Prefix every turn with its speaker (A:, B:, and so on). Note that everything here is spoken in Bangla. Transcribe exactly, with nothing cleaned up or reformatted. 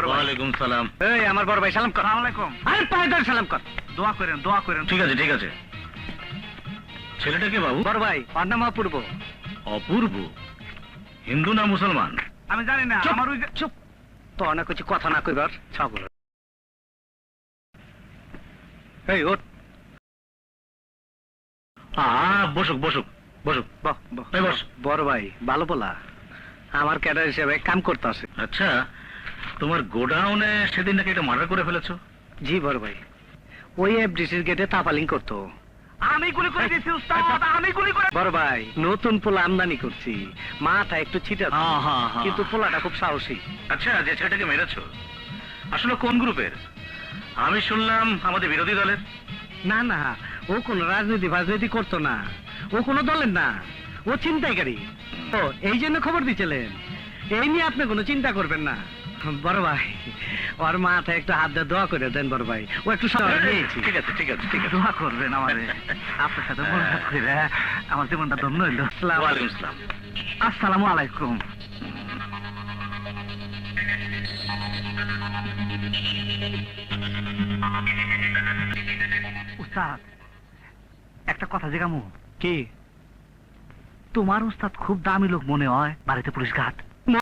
A: বড় ভাই।
B: ওয়ালাইকুম সালাম।
A: এই আমার বড় ভাই সালাম কর।
C: আসসালামু আলাইকুম।
A: আরে পায়ে ধরে সালাম কর।
C: দোয়া করেন দোয়া করেন।
B: ঠিক আছে ঠিক আছে। ছেলেটা কে বাবু?
A: বড় ভাই ওর নাম অপূর্ব।
B: অপূর্ব? হিন্দু না মুসলমান?
C: আমি জানি না,
A: চুপ,
C: আমার ওই যে-
A: চুপ তো অনেক কিছু কথা না কইবার ছাগল। এই ওঠ।
B: আ বসুক বসুক বসুক।
A: বাহ বাহ
B: এই বস।
A: বড় ভাই ভালো বলা, আমার ক্যাডার হিসেবে কাম করতে আসে।
B: আচ্ছা, তোমার গোডাউনে সেদিন নাকি একটা মার্ডার করে ফেলেছো?
A: জি বড় ভাই, ওই এফডিসির গেটে তাপালিং করতো।
C: আমি গুলি করে দিয়েছি উস্তাদ, আমি গুলি করে।
A: বড় ভাই নতুন পোলা আমদানি করছি, মাথা একটু ছিটা,
B: হ্যাঁ, হ্যাঁ, হ্যাঁ।
A: কিন্তু পোলাটা খুব সাহসী।
B: আচ্ছা, যে ছেলেটাকে মেরেছো আসলে কোন গ্রুপের? আমি শুনলাম আমাদের বিরোধী দলের।
A: না না, ও কোন রাজনীতি ফাজনীতি করতো না, ও কোনো দলের না, ও ছিনতাইকারী। ও এই জন্য খবর দিচ্ছিলেন, এই নিয়ে আপনি কোনো চিন্তা করবেন না। বড় ভাই ওর মাথায় একটু হাত দিয়ে দোয়া করে দেন বড় ভাই, ও একটু সময় নিয়েছি।
B: ঠিক আছে ঠিক আছে ঠিক আছে।
C: দোয়া করবেন আমারে, আপনার সাথে মোলাকাত করে আমার জীবনটা ধন্য হইল।
B: ওয়ালাইকুম আসসালাম।
C: আসসালামু আলাইকুম। উস্তাদ একটা কথা জিজ্ঞামু।
A: কি?
C: তোমার উস্তাদ খুব দামি লোক মনে হয়, বাড়িতে পুলিশ ঘাট।